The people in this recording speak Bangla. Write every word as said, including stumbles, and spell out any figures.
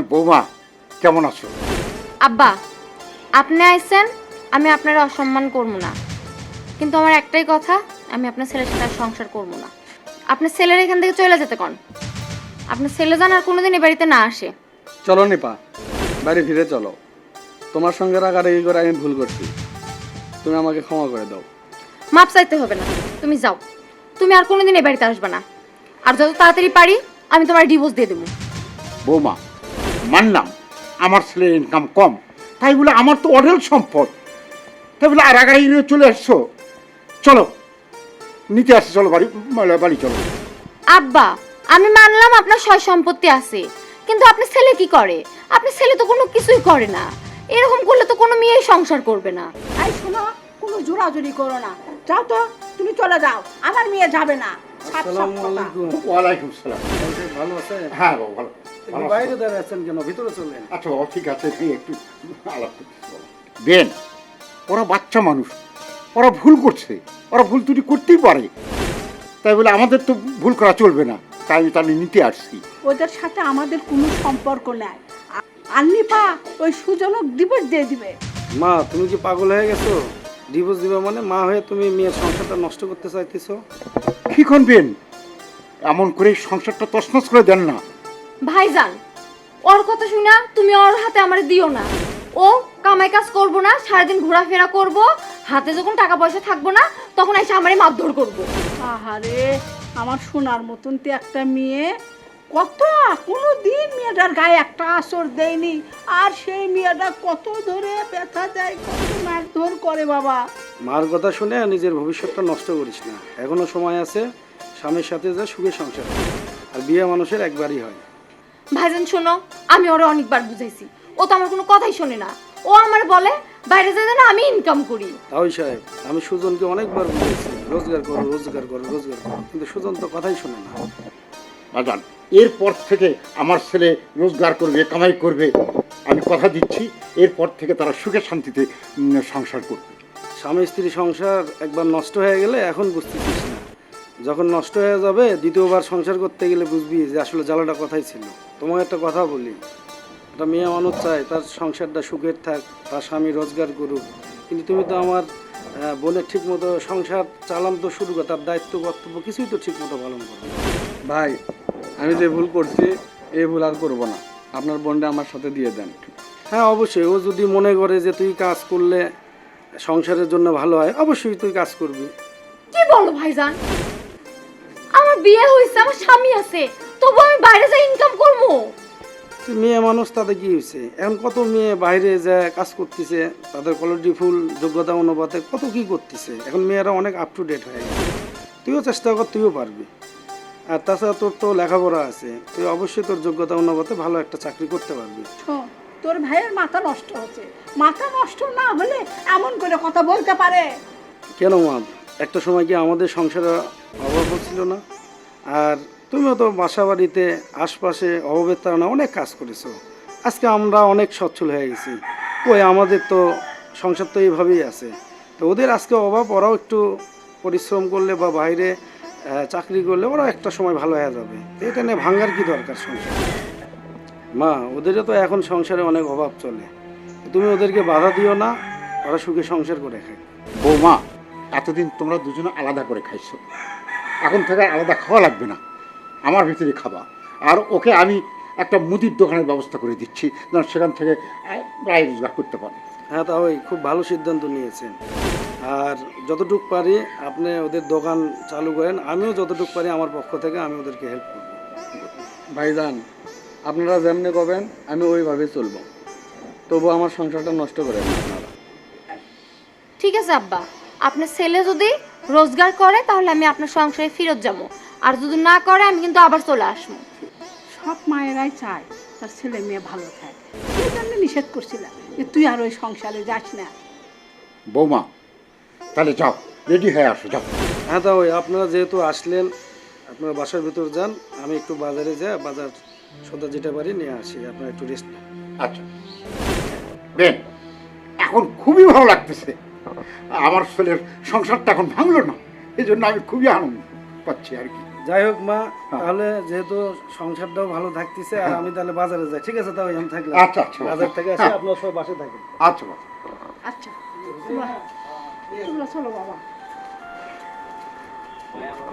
বৌমা কেমন আছো? আব্বা, আপনি আইছেন, আমি আপনার অসম্মান করব না, কিন্তু আমার একটাই কথা, আমি আপনার ছেলের সাথে আর সংসার করব না। আপনার ছেলের এখান থেকে চলে যেতে কোন, আপনার ছেলে যেন আর কোনোদিন এই বাড়িতে না আসে। চলো নিপা, বাড়ি ফিরে চলো। তোমার সঙ্গে রাগারাগি করে আমি ভুল করছি, তুমি আমাকে ক্ষমা করে দাও। মাপ চাইতে হবে না, তুমি যাও, তুমি আর কোনোদিন এই বাড়িতে আসবে না, আর যত তাড়াতাড়ি পারি আমি তোমার ডিভোর্স দিয়ে দেবো। বৌমা মানলাম আমার ছেলের ইনকাম কম, তাই বলে আমার তো অঢেল সম্পদ, তাই বলে আর আগাড়ি নিয়ে চলে আসছো। চলো নিতে আসছে, চলো বাড়ি বাড়ি চলো। আব্বা, আমি মানলাম আপনার সয় সম্পত্তি আছে, কিন্তু আপনার ছেলে কি করে? আপনার ছেলে তো কোনো কিছুই করে না, এরকম করলে তো কোনো মেয়েই সংসার করবে না। এই শোনো, কোনো জোরাজুরি করো না, যাও তো, তুমি চলে যাও, আমার মেয়ে যাবে না। সাপ সাপ আসসালামু কথা। আলাইকুম। ওয়ালাইকুম সালাম। ভালো আছে? হ্যাঁ বাবু ভালো। তুমি বাইরে দাঁড়িয়ে আছেন কেন? ভিতরে চলেন। আচ্ছা বাবা ঠিক আছে, তুই একটু আলাপ করতেছি বাবা। বেন, ওরা বাচ্চা মানুষ, ওরা ভুল করছে, ওরা ভুল ত্রুটি করতেই পারে, তাই বলে আমাদের তো ভুল করা চলবে না, তাই আমি তাহলে নিতে আসছি। ওদের সাথে আমাদের কোনো সম্পর্ক নাই। আন্নি পা ওই সুজনক ডিভোর্স দিয়ে দিবে। মা, তুমি কি পাগল হয়ে গেছো? ডিভোর্স দিবা মানে? মা হয়ে তুমি মেয়ের সংসারটা নষ্ট করতে চাইতেছো? কি করবেন? এমন করে সংসারটা তছনছ করে দেন না। ভাইজান, ওর কথা শুনা তুমি ওর হাতে আমার দিও না। ও কামাই কাজ করবো না, সারাদিন ঘোরাফেরা করব, হাতে যখন টাকা পয়সা থাকবো না তখন এসে আমারে মারধর করবো। আহারে, আমার সোনার মতন তো একটা মেয়ে, কত কোনো দিন মেয়েটার গায়ে একটা আসর দেয়নি, আর সেই মেয়েটা কত ধরে ব্যথা দেয়, কত মারধর করে বাবা। মার কথা শুনে নিজের ভবিষ্যৎটা নষ্ট করিস না, এখনো সময় আছে। স্বামীর সাথে যা সুখে সংসার কর। আর বিয়ে মানুষের একবারই হয়। ভাইজান শোনো, আমি ওরে অনেকবার বুঝাইছি, ও তো আমার কোনো কথাই শোনে না। ও আমার বলে বাইরে যেতে না, আমি ইনকাম করি। তাই সাহেব, আমি সুজনকে অনেকবার বলেছি রোজগার করো রোজগার করো রোজগার করো, কিন্তু সুজন তো কথাই শোনে না। বাজান, এরপর থেকে আমার ছেলে রোজগার করবে, কামাই করবে, আমি কথা দিচ্ছি, এরপর থেকে তারা সুখে শান্তিতে উম, সংসার করবে। স্বামী স্ত্রী সংসার একবার নষ্ট হয়ে গেলে এখন বুঝতেছিস না, যখন নষ্ট হয়ে যাবে দ্বিতীয়বার সংসার করতে গেলে বুঝবি যে আসলে জ্বালাটা কথাই ছিল। তোমাকে একটা কথা বলি, একটা মেয়ে মানুষ চায় তার সংসারটা সুখের থাক, তার স্বামী রোজগার করুক, কিন্তু তুমি তো আমার আহ, বোনের ঠিক মতো সংসার চালান তো শুরু কর, তার দায়িত্ব কর্তব্য কিছুই তো ঠিক মতো পালন করো না। ভাই, আমি যে ভুল করছি এই ভুল আর করবো না, আপনার বোনটা আমার সাথে দিয়ে দেন। হ্যাঁ অবশ্যই, ও যদি মনে করে যে তুই কাজ করলে সংসারের জন্য ভালো হয়, অবশ্যই তুই কাজ করবি। কি বলো ভাইজান? আমার বিয়ে হয়েছে, আমার স্বামী আছে, তবু আমি বাইরে যাই ইনকাম করবো? তুই মেয়ে মানুষ, তাতে কি হয়েছে? এখন কত মেয়ে বাইরে যায় কাজ করতেছে, তাদের কোয়ালিটি ফুল যোগ্যতা অনুপাতে কত কি করতেছে। এখন মেয়েরা অনেক আপ টু ডেট হয়ে গেছে। তুইও চেষ্টা কর, তুইও পারবি। আর তাছাড়া তোর তো লেখাপড়া আছে, তুই অবশ্যই তোর যোগ্যতা অনুপাতে ভালো একটা চাকরি করতে পারবি। শোন, তোর ভাইয়ের মাথা নষ্ট হচ্ছে, মাথা নষ্ট না হলে এমন করে কথা বলতে পারে? কেন মা, একটা সময় কি আমাদের সংসারে অভাব হচ্ছিল না? আর তুমিও তো বাসা বাড়িতে আশপাশে অভাবের তারা অনেক কাজ করেছো, আজকে আমরা অনেক সচ্ছল হয়ে গেছি। ওই আমাদের তো সংসার তো এইভাবেই আছে। তো ওদের আজকে অভাব, ওরাও একটু পরিশ্রম করলে বা বাইরে আহ, চাকরি করলে ওরাও একটা সময় ভালো হয়ে যাবে। তো এটা নিয়ে ভাঙ্গার কি দরকার সংসার? মা, ওদেরও তো এখন সংসারে অনেক অভাব চলে, তুমি ওদেরকে বাধা দিও না, ওরা সুখে সংসার করে খায়। বৌমা, এতদিন তোমরা দুজনে আলাদা করে খাইছো, এখন থেকে আর আলাদা খাওয়া লাগবে না, আমার ভিতরে খাবা। আর ওকে আমি একটা মুদির দোকানের ব্যবস্থা করে দিচ্ছি, যেন সেখান থেকে আহ, প্রায় রোজগার করতে পারে। হ্যাঁ, তা ওই খুব ভালো সিদ্ধান্ত নিয়েছেন। আর যতটুকু পারি আপনি ওদের দোকান চালু করেন, আমিও যতটুকু পারি আমার পক্ষ থেকে আমি ওদেরকে হেল্প করব। ভাইজান, আপনারা যেমনি করবেন আমি ওইভাবে চলবো, তবু আমার সংসারটা নষ্ট করেন না আপনারা। ঠিক আছে আব্বা, আপনার ছেলে যদি রোজগার করে তাহলে আমি আপনার সংসারে ফেরত যাবো, আর যদি না করে আমি কিন্তু আবার চলে আসবো। সব মায়েরাই চায় তার ছেলে মেয়ে ভালো থাকে, সেই জন্য নিষেধ করছিলাম যে তুই আর ওই সংসারে যাস না। বৌমা তাহলে যাও, রেডি হয়ে আসো, যাও। হ্যাঁ, তা ওই আপনারা যেহেতু আসলেন, আপনারা বাসার ভিতর যান, আমি একটু বাজারে যাই, বাজার সদা যেটা পারি নিয়ে আসি, আপনারা একটু রেস্ট নেন। আচ্ছা বেন, এখন খুবই ভালো লাগতেছে, আমার ছেলের সংসারটা এখন ভাঙলো না, এই জন্য আমি খুবই আনন্দ পাচ্ছি আর কি। যাই হোক মা, তাহলে যেহেতু সংসারটাও ভালো থাকতেছে আর আমি তাহলে বাজারে যাই, ঠিক আছে? তাহলে আমি থাকলাম। আচ্ছা, আচ্ছা। বাজার থেকে আসি, আপনার সবাই বাসে থাকেন। আচ্ছা বাবা। আচ্ছা তোমরা তোমরা চলো বাবা।